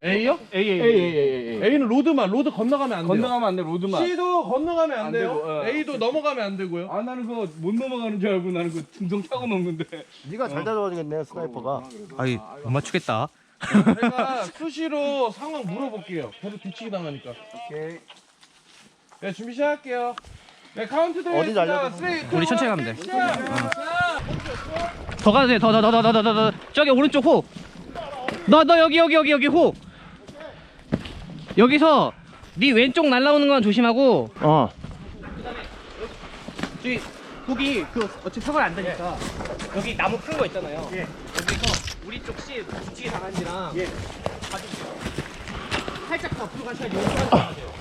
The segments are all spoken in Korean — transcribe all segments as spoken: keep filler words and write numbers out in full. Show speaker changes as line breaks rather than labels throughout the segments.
A요?
A A
A, A, A, A. A는 로드만, 로드 건너가면 안 돼요.
건너가면 안 돼. 로드만.
C도 건너가면 안,
안
돼요.
되고, 어.
A도 넘어가면 안 되고요.
아 나는 그거 못 넘어가는 줄 알고 나는 그 등등 타고 넘는데.
네가 잘 잡아주겠네 스나이퍼가.
아이 못 맞추겠다.
제가 수시로 상황 물어볼게요. 계속 뒤치기 당하니까.
오케이.
네, 준비 시작할게요. 네, 카운트
어디 날려도
우리 천천히 가면 돼. 더 가도 돼. 더 더 더 더 더 더 더 저기 오른쪽 호. 너 너 여기 여기 여기 여기 호. 여기서 네 왼쪽 날라오는 건 조심하고.
어.
저기 거기 그 어차피 사고 안 되니까 여기 나무 큰 거 있잖아요. 예. 여기서 우리 쪽 씨 뒤치기 당한지랑 예. 봐주세요. 살짝 더 앞으로 가셔야 여기까지 가야 돼요.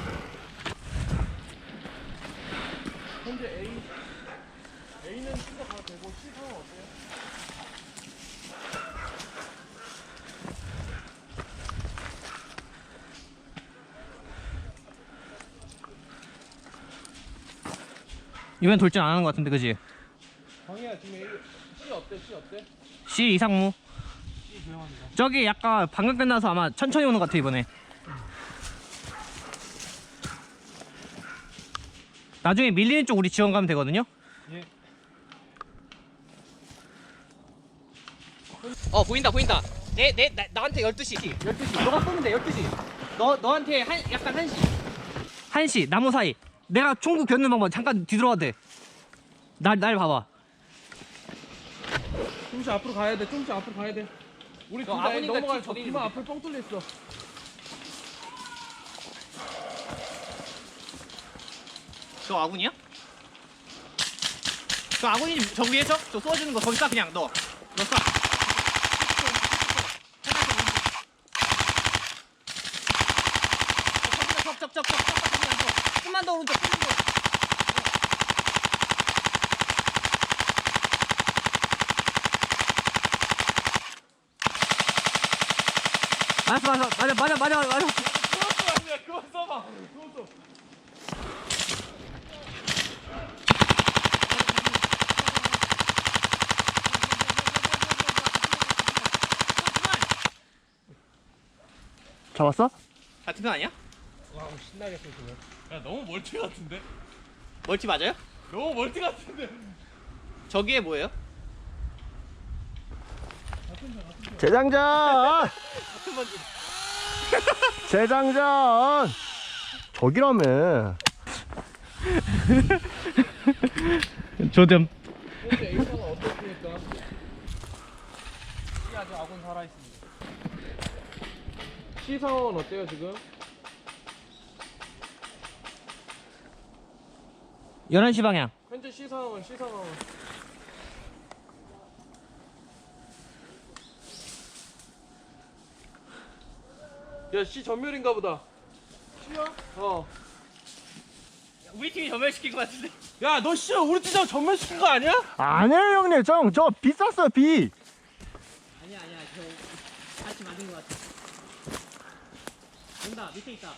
현재 A, A는 진짜 가도 되고 C 상황 어때요?
이번엔 돌진 안 하는 것 같은데, 그지?
광희야 지금 A, C 어때? C 어때?
C 이상무.
C 조용합니다.
저기 약간 방금 끝나서 아마 천천히 오는 것 같아 이번에. 나중에 밀리는 쪽 우리 지원 가면 되거든요.
예.
어 보인다 보인다. 내 내 나한테 열두 시. 열두 시. 너가 쏘면 돼 열두 시. 너 너한테 한 약간 한 시. 한 시 나무 사이. 내가 총구 겨누는 방법 잠깐 뒤돌아도 돼. 날 날 봐봐.
조금씩 앞으로 가야 돼. 조금씩 앞으로 가야 돼. 우리
저
둘다
아버니까
넘어갈
뒤
거.
저리
뒤만
이렇게.
앞을 뻥 뚫려 있어.
저 아군이야? 저 아군이 저 위에 저? 저 쏘아주는 거 거기 쏴 그냥 너. 너 쏴. 쩍쩍쩍쩍쩍 좀만 더 오른쪽 좀만 더. 알았어 알았어 맞아 맞아 맞아 맞아.
그거 써봐. 그거 써.
잡았어?
같은 편 아니야?
와 신나겠어 지금. 야 너무 멀티 같은데?
멀티 맞아요?
너무 멀티 같은데?
저기에 뭐예요?
재장전. 재장전. 저기라며.
조점.
현재 A 상황 어떻습니까? C 아직 아군 살아있습니다. C 상황은 어때요 지금?
열한 시 방향.
현재 C 상황은 C 상황은 야 C 전멸인가 보다. C야? 어.
우리 팀이 전멸시킨 것 같은데.
야 너 C 우리 팀장 전멸시킨 거 아니야?
아니에요 형님. 저, 저 비 쐈어요 비.
아니야 아니야 저 같이 맞은 것 같아. 온다 밑에 있다.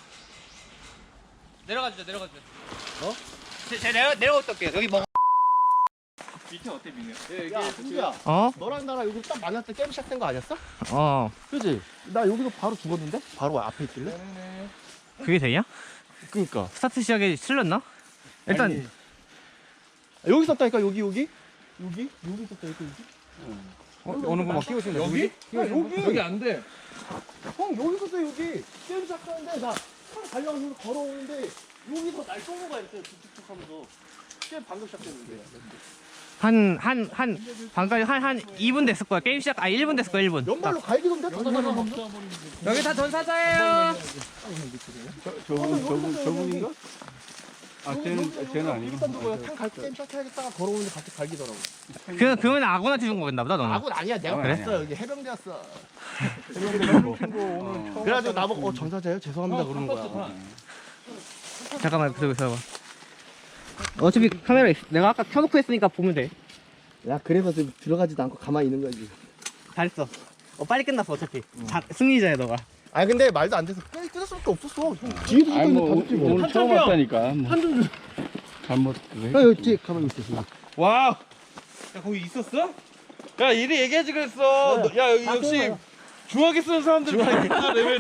내려가주자 내려가주자. 어? 제, 제 내려 내려갔다 올게요. 여기 먹어.
밑에 어때 민우야?
예,
야 승주야.
어?
너랑 나랑 여기 딱 만났을 때 게임 시작된 거 아니었어?
어.
그지? 나 여기서 바로 죽었는데? 바로 앞에 있길래?
네네네.
그게 되냐?
그니까.
스타트 시작에 실렸나? 일단
아니, 여기 있었다니까 여기 여기? 여기? 여기 있었다 여기 여기?
어, 어느 거막 끼고 있는
여기? 야, 여기 여기 안 돼.
형 여기 있었어 여기. 게임 시작하는데 나 차를 달려가서 걸어오는데 여기서 날 쏘는 거야 이렇게 툭툭툭 하면서. 게임 방금 시작됐는데.
한 한 한 방금 한한 이 분 됐을 거야. 게임 시작 아 일 분 됐을 거야 일 분.
연말로 갈기던데?
여기 다 전사자예요.
저분 저분 저분인가? 아 쟤는 쟤는 아니고.
탕 갈고 게임 시작해야겠다가 걸어오는데 갑자기 갈기더라고.
그 그러면 아군한테 준 거겠나 보다 너는.
아군 아니야 내가
아군
그랬어
아니야.
여기 해병대였어.
어.
그래가지고 나보고 어 전사자예요? 죄송합니다
어,
그러는
깜빡
거야.
잠깐만 그러고 있어봐. 어차피 카메라 있, 내가 아까 켜놓고 했으니까 보면 돼.
야 그래서 지금 들어가지도 않고 가만히 있는 거지.
잘했어. 어 빨리 끝났어 어차피. 자, 승리자야 너가.
아 근데 말도 안 돼서 끊- 끊을 수밖에 없었어. 형, 뒤에도
아니
있는데
뭐
다 죽지 뭐.
오늘 처음
한점이야.
왔다니까. 뭐.
한점 줘.
잘못 그래.
형 여기 뒤에 가만히 있어 지금.
와우. 야 거기 있었어? 야 이리 얘기하지 그랬어. 너- 야 여기
다
역시
끊어요.
중화기 쓰는 사람들 다 레벨이.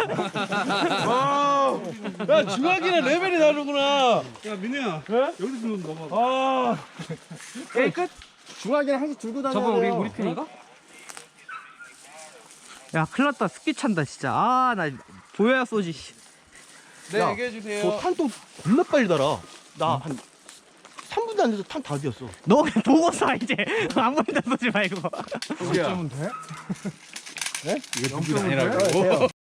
와, 야 중화기는 레벨이 다르구나.
야 민우야
예?
여기서 좀 넘어가.
아,
게임 끝?
중화기는 항상 들고 다녀야
저거 우리
돼요.
우리 편인가? 야 큰일났다 습기 찬다 진짜 아 나 보여야 쏘지 씨.
네
야,
얘기해 주세요.
저 탄도 겁나 빨리 달아. 나 한 삼 분도 안 돼서 탄 다 뒤었어.
너 그냥 보고 쏴 이제 아무 데나 쏘지 말고
야
돼?
이거 준비 아니라고.
돼요.